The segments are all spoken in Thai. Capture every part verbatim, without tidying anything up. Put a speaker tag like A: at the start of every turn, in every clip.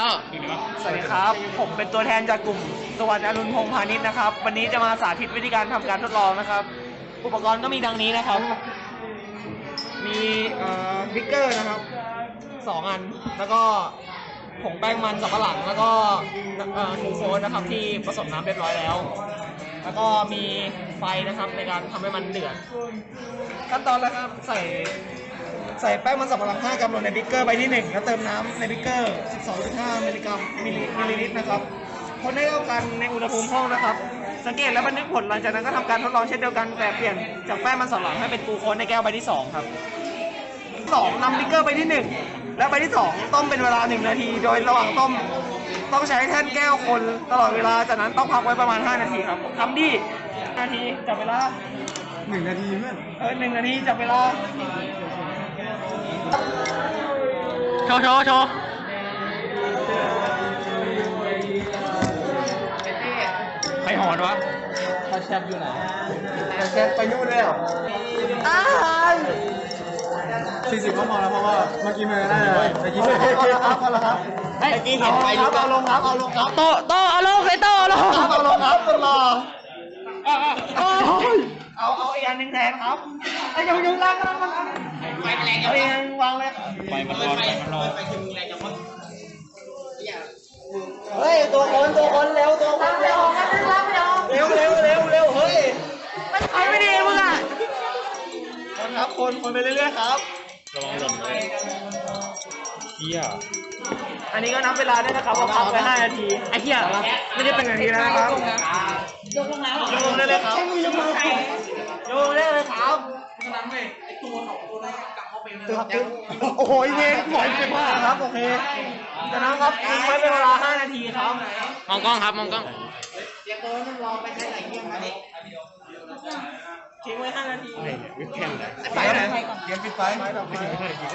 A: แล้วสวัสดีครับผมเป็นตัวแทนจากกลุ่มสวัสดิ์อรุณพงษ์พาณิชย์นะครับวันนี้จะมาสาธิตวิธีการทำการทดลองนะครับอุปกรณ์ก็มีดังนี้นะครับมีบิ๊กเกอร์นะครับสองอันแล้วก็ผงแป้งมันสำปะหลังแล้วก็ทูโฟสนะครับที่ผสมน้ำเรียบร้อยแล้วแล้วก็มีไฟนะครับในการทำให้มันเดือดขั้นตอนแรกครับใส่ใส่แป้งมันสำปะหลังห้ากรัมลงในบิ๊กเกอร์ใบที่หนึ่งแล้วเติมน้ำในบิ๊กเกอร์ สิบสองจุดห้า มิลลิกรัมมิลลิลิตรนะครับคนให้เข้ากันในอุณหภูมิห้องนะครับสังเกตและบันทึกผลหลังจากนั้นก็ทำการทดลองเช่นเดียวกันแต่เปลี่ยนจากแป้งมันสำปะหลังให้เป็นกลูโคสในแก้วใบที่สองครับสองนำบิ๊กเกอร์ใบที่หนึ่งและใบที่สองต้มเป็นเวลาหนึ่งนาทีโดยระหว่างต้มต้องใช้แท่นแก้วคนตลอดเวลาจากนั้นต้องพักไว้ประมาณห้านาทีครับทำดีนาทีจับเวลา
B: หนึ่งนาทีเพื่อน
A: เออหนึ่งนาทีจับเวลาโชว์โชว์โชว์ใครหอนวะ
B: ตาแชทอยู่ไหนตาแชทไปนู่นแล้ว
A: อ้าว
B: สี่สิบก็พอแล้วเพราะว่าเมื่อกี้มันได้เลยเมื่อกี้
A: พอแล้วครับพอแล้วครับเมื่อกี้เห็นไปดูเอาลงครับเอาลงครับโตโตเอาลงเลยโตเอาลงครับเอาลงครับตลอดเอาเอาอีกอันหนึ่งแทนครับไอ้ยังยังล่างก็ต้องมันไฟแรงเอาเองวางเลย
B: ไฟมันร้อนไฟมันร้อนไฟคือแรงจังวะ
A: เฮ้ยตัวคนตัวคนเร็วตัวคนเร็วเร็วเร็วเร็วเร็วเฮ้ยไม่ใช่ไม่ดีมึงอ่ะคนครับคนคนไปเรื่อยๆครับ
B: ระวังหล่นเลยเฮีย
A: อันนี้ก็นับเวลาด้วยนะครับว่าพักไปห้านาทีไอ้เหี้ยไม่ได้เป็นนาทีแล้วนะครับยกลงแล้วยกลงได้เลยครับยกลงยกได้เลยครับนั้นเลยไอ้ตัวของตัวนั้นกลับเข้าไปเลยโอ้โหเวงปล่อยไปมากครับโอเคจากนั้นครับทิ้งไว้เป็นเวลาห้านาทีครับ
C: มองกล้องครับมองกล้อง
A: เดี๋ยวตัวนั้นรอไปใช้ไหนเที่ยงมาดิทิ้งไว้ห้านาที
B: วิแคนไหน
A: ไปไหน
B: เกียร์ปิดไฟ
A: ไปแบบไป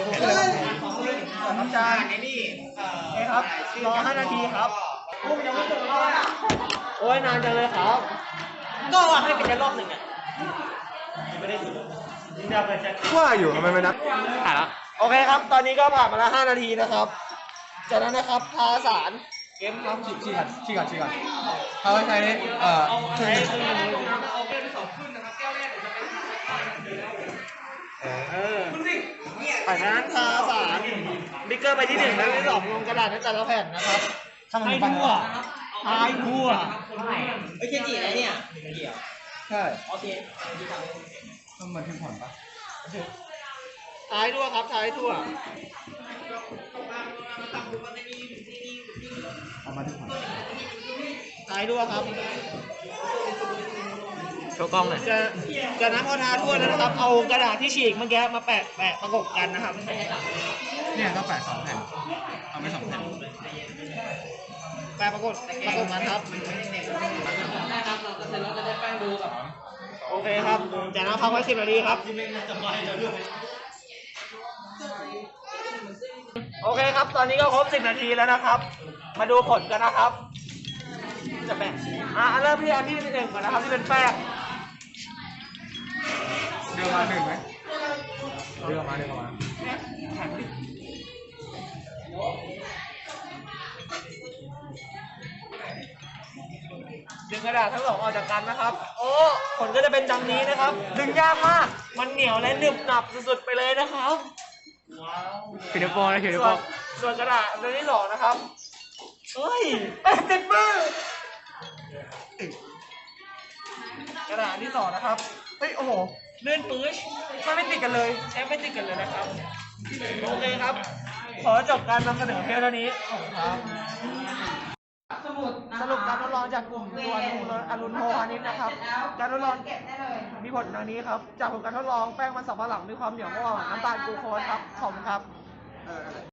A: น้ำจานนี่นี่ครับรอห้านาทีครับพุ่งยังไม่ถึงเลยโอ้ยนานจังเลยครับก็ว่าให้เป็นรอบหนึ่งอ่ะไม่ได้สุด
B: ว่าอยู่ทำไมไม่นับ
C: ถ่ายแล้ว
A: โอเคครับตอนนี้ก็ผ่านมาแล้วห้านาทีนะครับจากนั้นนะครับทาสารเกมครับ
B: ชี้ชี้กันชี้กันชี้กันเขาใช้เอ่อ
A: ใช้คือเอาแก้วที่สองขึ้นนะครับแก้วแรกจะเป็นเออจากนั้นทาสารบิ๊กเกอร์ไปที่หนึ่งแล้วที่สองลงกระดาษในแต่ละแผ่นนะครับให้ทั่วให้ทั่วเฮ้ยเคจิอะไรเนี่ย
B: ใช่
A: โอเค
B: ต้องมาทิ้งผ่อนปะ
A: ท้ายทั่วครับท้ายทั่ว
B: เอามาทิ้งผ่อน
A: ท้ายทั่วครับ
C: โชว์กล้องหน่อย
A: จะจากนั้นพอทาทั่วแล้วนะครับเอากระดาษที่ฉีกเมื่อกี้มาแปะแปะประกบกันนะครับ
B: เนี่ยก็แปะสองแผ่นเอาไปสองแผ่น
A: แปะประกบประกบกันครับโอเคครับจากนั้นพักไว้สิบนาทีครับโอเคครับตอนนี้ก็ครบสิบนาทีแล้วนะครับมาดูผลกันนะครับจะแบ่งอ่ะเริ่มที่อันที่หนึ่งก่อนนะครับที่เป็นแป้ง
B: เดือมาหนึ่งไหมเดือมาเดือมา
A: ดึงกระดาษทั้งสองออกจากกันนะครับโอ้ผลก็จะเป็นดังนี้นะครับดึงยากมากมันเหนียวและหนึบหนับสุดๆไปเลยนะครับ
C: ขีดโปนะขีดโป
A: ส่วนกระดาษตัวที่สองนะครับเฮ้ยติดมือกระดาษที่สองนะครับเฮ้ยโอ้โหเลื่อนปื้ชมันไม่ติดกันเลยแทบไม่ติดกันเลยนะครับโอเคครับขอจบการนำเสนอเพียงเท่านี้ครับสรุปการทดลองจากกลุ่มตัวอรุณโพพาณิชย์นะครับการทดลองมีผลดังนี้ครับจากผลการทดลองแป้งมันสำปะหลังมีความเหนียวกว่าน้ำตาลกลูโคสครับขอบคุณครับ